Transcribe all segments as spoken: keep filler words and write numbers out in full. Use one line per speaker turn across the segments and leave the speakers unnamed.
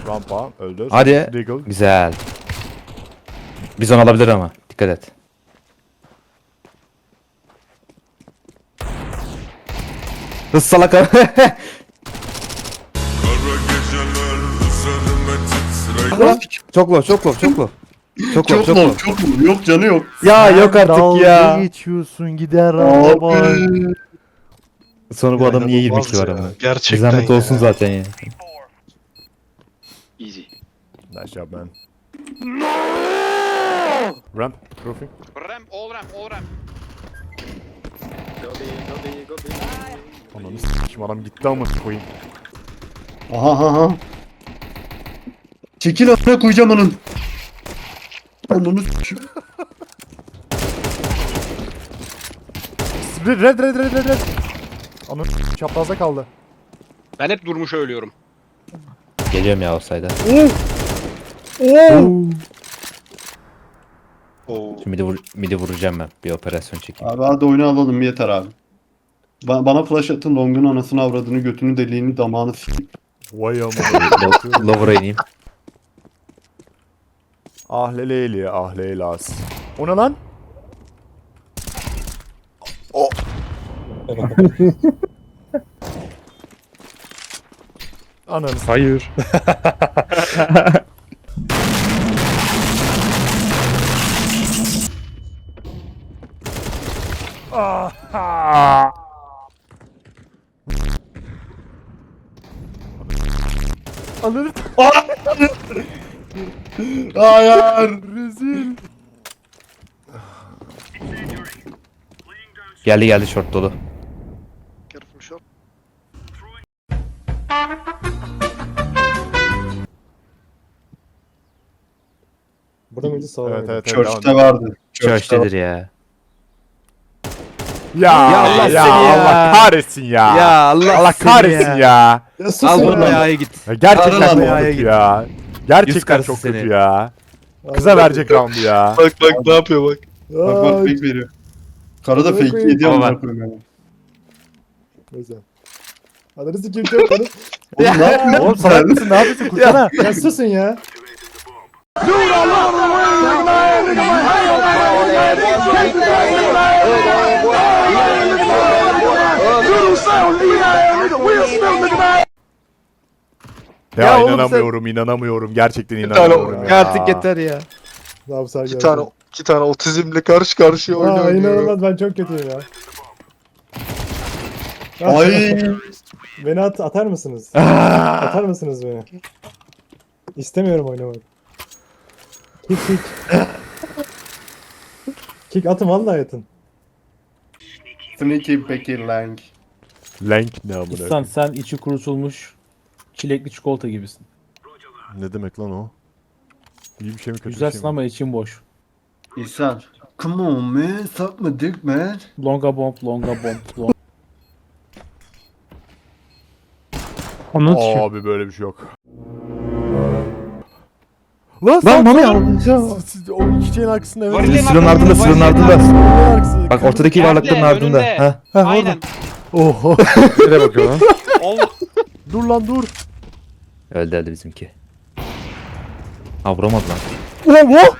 Rampa öldü.
Hadi.
Deagle.
Güzel. Bizon alabilir ama. Dikkat et. Hız salak. Çok low, çok low, çok low. Çok low,
Çok
çok
mu?
low.
Çok mu? Yok canı yok.
Ya yok artık
Dalga
ya.
geçiyorsun gider araba.
Abi.
Sonra bu adam niye yirmi kill var
ya.
ama?
Gerçekten
Zahmet
ya.
olsun zaten ya.
Easy.
Nice job man. Ramp, roofing.
Ram, all ram, all ram.
Ananı s**kim adam gitti ama koyayım.
Aha aha aha. Çekil atına koyacağım onun. Onu s**eyim.
Red red red red red red. Ananı s**kim çaprazda kaldı.
Ben hep durmuş ölüyorum.
Geliyorum ya offside'a.
Oo.
Şimdi midi, vur midi vuracağım ben. Bir operasyon çekeyim.
Abi hadi oyunu alalım yeter abi. Ba- bana flash atın, Long'un anasını avradını götünü deliğini damağını s**eyim.
Vay ama.
Low- Lower'a ineyim.
Ah leleyli ah leylas. O ne lan? O. Ananı s**.
Hayır.
Ah. Ananı
Hayır.
rezil.
Geldi geldi short dolu.
Careful shot.
Burada mıydı sağda
Evet
mıydı?
evet evet.
Church'te vardı.
Church'tedir ya.
Ya
Ya
Allah,
Allah
ya,
seni ya.
Allah kahretsin ya.
Ya Allah,
Allah
seni
kahretsin ya.
Ya sus
Al
ya.
bunu ayağa git.
Ya gerçekten
Karın
çok
adamı.
kötü ya. Gerçekten
Yüz karısı
çok kötü
seni.
ya. Kıza verecek roundu ya.
Bak bak ne yapıyor bak.
Bak bak
Ay,
fake veriyor. Karada
Amına
fake
koyayım.
ediyor
Ama
amına
bak.
koyayım yani.
Neyse. Adını sikeyim çok bana.
Oğlum ne yapıyorsun?
Oğlum salak mısın ne yapıyorsun kursana.
Ya susun ya.
Ya,
Ya oğlum
inanamıyorum inanamıyorum gerçekten
tane-
inanamıyorum ya.
Artık yeter ya.
Ne yapsar
İki tane iki tane otizmle karşı karşıya
Aa
oynuyor.
inanılmaz ben çok kötüyüm ya.
Ay.
Beni at, atar mısınız? Atar mısınız beni? İstemiyorum oynamak. Kick kick. Kick atın vallahi atın.
Sneaky Becky Lang.
Lank ne amına.
İhsan sen içi kurutulmuş çilekli çikolata gibisin.
Ne demek lan o? İyi bir şey mi kötü bir
Güzelsin
şey mi?
ama için boş.
İhsan. Come on man. Suck my dick man.
Longa bomb, longa bomb, long.
Abi böyle bir şey yok. Lan
Lan Mami
ya.
al.
Siz o iki şeyin arkasında evet.
Var ya.
Silahın ardında, silahın ardında.
Arkasında.
Bak ortadaki varlıkların ardında.
önünde.
Ha.
Aynen.
Oho.
Nereye bakıyor lan?
Ol.
Dur lan dur.
Öldü öldü bizimki. Ha vuramadı lan.
Oho.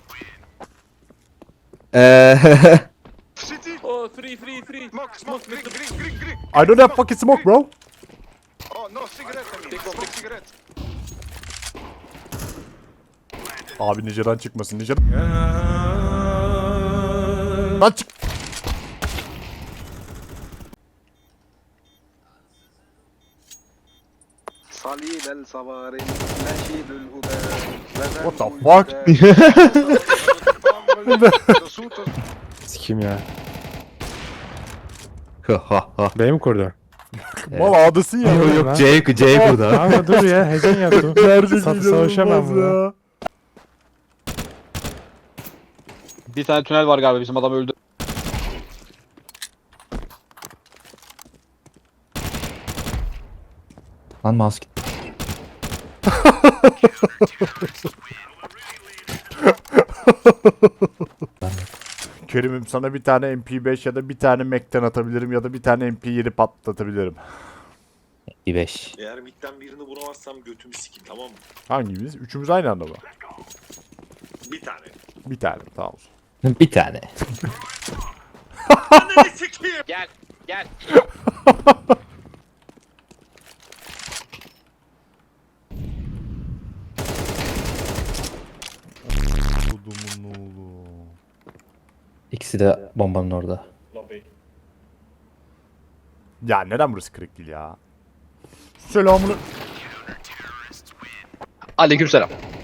Eee.
Oh, free, free, free.
Smoke, smoke, green, green, green, green.
I don't have fucking smoke bro.
Oh no, cigarette. I mean, smoke cigarette.
Abi Ninja'dan çıkmasın Ninja. Lan çık.
Salil el savarin, neşidül huda.
What the fuck?
Sikim ya.
Ha ha.
Benim kurdu.
Mal ağdasın ya.
Yok yok C C burada.
Ama dur ya heyecan yaptım.
Nerede
Sa- savaşamam bunu.
Bir tane tünel var galiba, bizim adam öldü.
Lan mouse gitti.
Kerim'im sana bir tane M P beş ya da bir tane Mac'ten atabilirim ya da bir tane M P yedi patlatabilirim.
Bir beş.
Eğer midden birini vuramazsam götümü sikin, tamam mı?
Hangimiz? Üçümüz aynı anda mı?
Bir tane.
Bir tane tamam.
Bir tane.
Anneni sikeyim.
Gel. Gel.
Kodumun oğlu.
İkisi de bombanın orada.
Ya neden burası kırık değil ya? Selamını.
Aleykümselam.